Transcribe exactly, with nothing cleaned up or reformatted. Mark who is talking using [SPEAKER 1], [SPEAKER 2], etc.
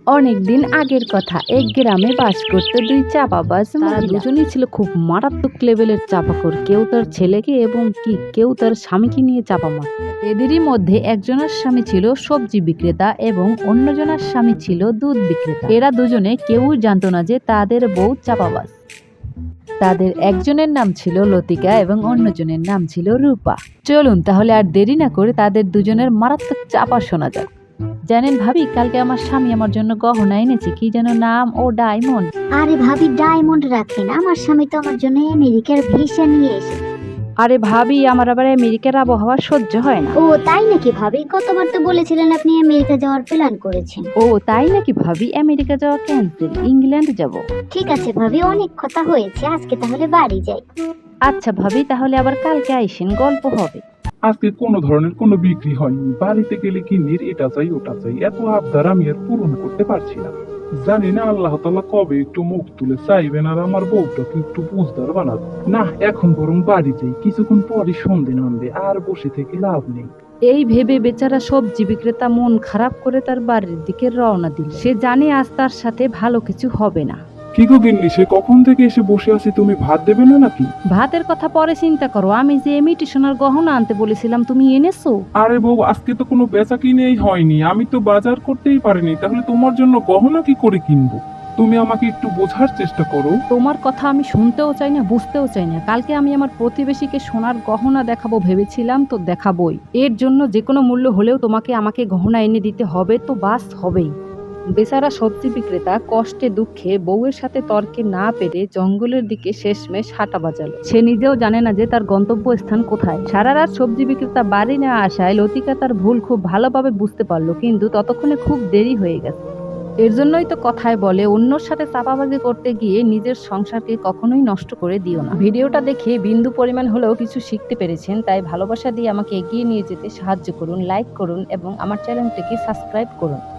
[SPEAKER 1] অনেকদিন আগের কথা, এক গ্রামে বাস করতো দুই চাপাবাজ মহিলা। দুজনেই ছিল খুব মারাত্মক লেভেলের চাপাখোর। কেউ তার ছেলেকে এবং কি কেউ তার স্বামীকে নিয়ে চাপা মার। এদেরই মধ্যে একজনের স্বামী ছিল সবজি বিক্রেতা এবং অন্যজনের স্বামী ছিল দুধ বিক্রেতা। এরা দুজনে কেউই জানতো না যে তাদের বউ চাপাবাজ। তাদের একজনের নাম ছিল লতিকা এবং অন্যজনের নাম ছিল রূপা। চলুন তাহলে আর দেরি না করে তাদের দুজনের মারাত্মক চাপা শোনা যাক। জানেন ভাবি, কালকে আমার স্বামী আমার জন্য গহনা এনেছে, কি যেন নাম, ও ডায়মন্ড।
[SPEAKER 2] আরে ভাবি, ডায়মন্ড রাখেন, আমার স্বামী তো আমার জন্য আমেরিকার ভিসা নিয়ে এসে।
[SPEAKER 1] আরে ভাবি, আমার আবার আমেরিকার আবহাওয়া সহ্য হয় না।
[SPEAKER 2] ও তাই নাকি ভাবি? গতবার তো বলেছিলেন আপনি আমেরিকা যাওয়ার প্ল্যান করেছেন।
[SPEAKER 1] ও তাই নাকি ভাবি, আমেরিকা যাওয়া ক্যান্সেল, ইংল্যান্ড যাব।
[SPEAKER 2] ঠিক আছে ভাবি, অনেক কথা হয়েছে, আজকে তাহলে বাড়ি যাই।
[SPEAKER 1] আচ্ছা ভাবি, তাহলে আবার কালকে আইসেন, গল্প হবে।
[SPEAKER 3] আজকে কোনো ধরনের কোনো বিক্রি হয়নি। বাড়িতে গেলে কিন্নির এটা চাই ওটা চাই, এত আবদার আমি আর পূরণ করতে পারছি না। জানি না আল্লাহ তাআলা কবে একটু মুখ তুলে চাইবেন আর আমার বউটাকে একটু বুঝদার বানাবে। না, এখন বরং বাড়ি যাই, কিছুক্ষণ পরই সন্ধে নামবে, আর বসে থেকে লাভ নেই।
[SPEAKER 1] এই ভেবে বেচারা সবজি বিক্রেতা মন খারাপ করে তার বাড়ির দিকে রওনা দিল। সে জানে আজ তার সাথে ভালো কিছু হবে না।
[SPEAKER 3] কি গো গিন্নি, সে কখন থেকে এসে বসে আছি, তুমি ভাত দেবে না নাকি?
[SPEAKER 1] ভাতের কথা পরে চিন্তা করো, আমি যে ইমিটেশনের গহনা আনতে বলেছিলাম তুমি এনেছো?
[SPEAKER 3] আরে বউ, আজকে তো কোনো বেচা কিনেই হয়নি, আমি তো বাজার করতেই পারিনি, তাহলে তোমার জন্য গহনা কি করে কিনবো? তুমি আমাকে একটু বোঝার চেষ্টা করো।
[SPEAKER 1] তোমার কথা আমি শুনতেও চাই না, বুঝতেও চাই না। কালকে আমি আমার প্রতিবেশীকে সোনার গহনা দেখাবো ভেবেছিলাম, তো দেখাবোই। এর জন্য যে কোনো মূল্য হলেও তোমাকে আমাকে গহনা এনে দিতে হবে, তো বাস হবেই। বেচারা সবজি বিক্রেতা কষ্টে দুঃখে বউয়ের সাথে তর্কে না পেরে জঙ্গলের দিকে শেষমেশ হাঁটা বাজালো। সে নিজেও জানে না যে তার গন্তব্য স্থান কোথায়। সারা রাত সবজি বিক্রেতা বাড়ি না আসায় লতিকা তার ভুল খুব ভালোভাবে বুঝতে পারলো, কিন্তু ততক্ষণে খুব দেরি হয়ে গেছে। এর জন্যই তো কথায় বলে, অন্যর সাথে চাপাবাজি করতে গিয়ে নিজের সংসারকে কখনোই নষ্ট করে দিও না। ভিডিওটা দেখে বিন্দু পরিমাণ হলেও কিছু শিখতে পেরেছেন, তাই ভালোবাসা দিয়ে আমাকে এগিয়ে নিয়ে যেতে সাহায্য করুন, লাইক করুন এবং আমার চ্যানেলটিকে সাবস্ক্রাইব করুন।